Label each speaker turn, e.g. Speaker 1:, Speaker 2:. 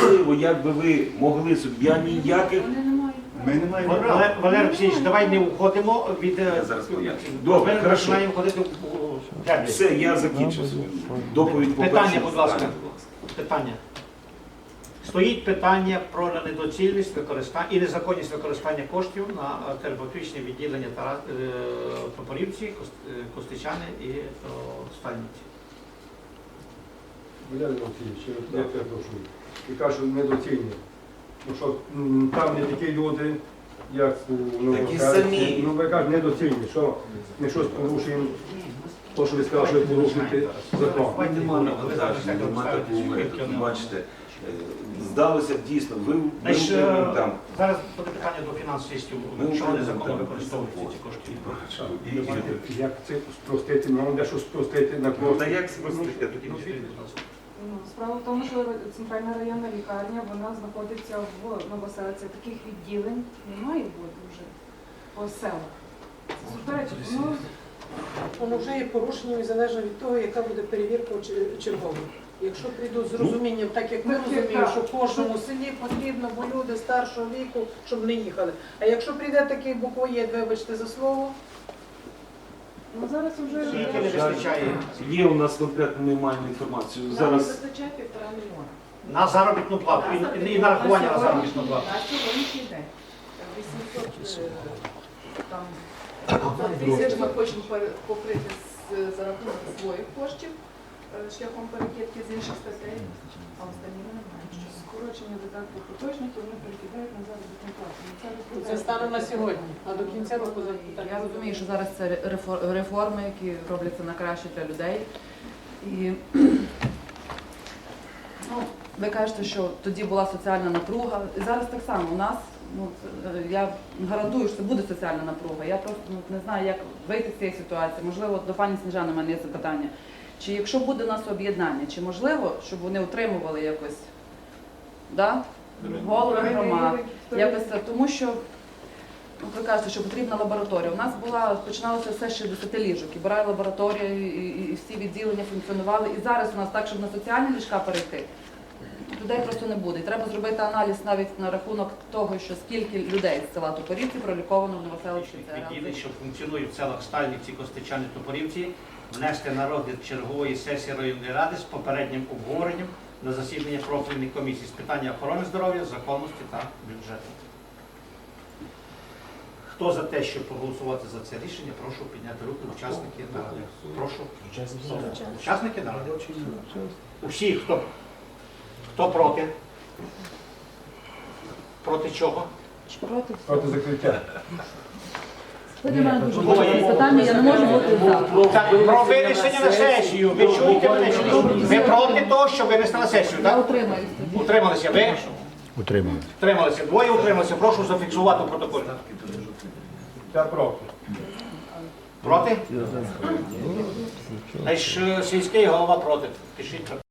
Speaker 1: можливо, як би ви могли собі, я ніяких...
Speaker 2: Ми не маємо права.
Speaker 3: Валерій Олексійович, давай не уходимо від...
Speaker 1: Я зараз поясню. Добре,
Speaker 3: Ми
Speaker 1: хорошо.
Speaker 3: починаємо ходити у черзі.
Speaker 1: Все, я закінчив свою доповідь по
Speaker 3: Питання,
Speaker 1: першому
Speaker 3: будь ласка.
Speaker 1: питанню.
Speaker 3: Питання. Стоїть питання про недоцільність використання і незаконність використання коштів на терапевтичне відділення Топорівці, Костичани і Стальниці.
Speaker 2: Валерій Олексійович, я перепрошую. І кажу, недоцільні. Ну що, там не такі люди, як у Новоселиці. Ну ви кажете, недоцільні, що ми щось порушуємо, то, що ви сказали, що ви порушуєте закон.
Speaker 1: Нема такого, бачите, здалося б дійсно, ви там.
Speaker 3: Зараз буде питання до фінансистів, чого незаконно використовуються ці кошти.
Speaker 2: Як це спростити? Нам де що спростити на
Speaker 1: Ну,
Speaker 2: кошти?
Speaker 1: та як спростити? Тоді
Speaker 4: Справа в тому, що центральна районна лікарня, вона знаходиться в Новоселиці. Таких відділень не має бути вже по селах. Це суперечить.
Speaker 5: Воно вже є порушенням і залежно від того, яка буде перевірка чергова. Якщо прийдуть з розумінням, так як ми розуміємо, що кожному селі потрібно, бо люди старшого віку, щоб не їхали. А якщо прийде такий буквоєд, вибачте за слово,
Speaker 4: Ну зараз вже
Speaker 3: Скільки не вистачає
Speaker 1: Є у нас конкретно, ми маємо інформацію. Зараз
Speaker 4: вистачає 1,5 мільйона.
Speaker 3: на заробітну плату і на рахування на заробітну плату.
Speaker 4: На сьогоднішній день. 800 тисяч ми хочемо покрити за рахунок своїх коштів шляхом перекидки з інших статей, а останні ми не маємо. Скорочення видатків поточників вони перекидають на заробітну плату.
Speaker 5: це стане на сьогодні, а до кінця року
Speaker 6: Я розумію, що зараз це реформи, які робляться на краще для людей. І ну, ви кажете, що тоді була соціальна напруга. І зараз так само у нас, я гарантую, що це буде соціальна напруга. Я просто не знаю, як вийти з цієї ситуації. Можливо, до пані Сніжани в мене є запитання. Чи якщо буде у нас об'єднання, чи можливо, щоб вони утримували якось голови громад, якось, тому що ви кажете, що потрібна лабораторія. У нас починалося все з 60 ліжок, і була лабораторія, і всі відділення функціонували. І зараз у нас так, щоб на соціальні ліжка перейти, людей просто не буде. І треба зробити аналіз навіть на рахунок того, що скільки людей з села Топорівці проліковано в Новоселиці.
Speaker 3: Відділень, що функціонують в селах Стальниці, Костичани, Топорівці, внести на розгляд чергової сесії районної ради з попереднім обговоренням на засідання профільних комісій з питання охорони здоров'я, законності та бюджету. Хто за те, щоб проголосувати за це рішення, прошу підняти руки, учасники наради. Прошу. Учасники наради. Усі, хто проти? Проти чого?
Speaker 2: Проти закриття.
Speaker 6: Ви для мене дуже важливе питання, я не можу бути за.
Speaker 3: Так, про винесення на сесію. Ви чуєте мене чи ні? Ви проти того, що винести на сесію,
Speaker 6: Я
Speaker 3: так?
Speaker 6: утримаюсь тоді.
Speaker 3: Утрималися ви?
Speaker 2: Утримують.
Speaker 3: Утрималися. Двоє утрималися. Прошу зафіксувати у протоколі.
Speaker 2: Я проти.
Speaker 3: Проти? Значить, сільський голова проти. Пишіть.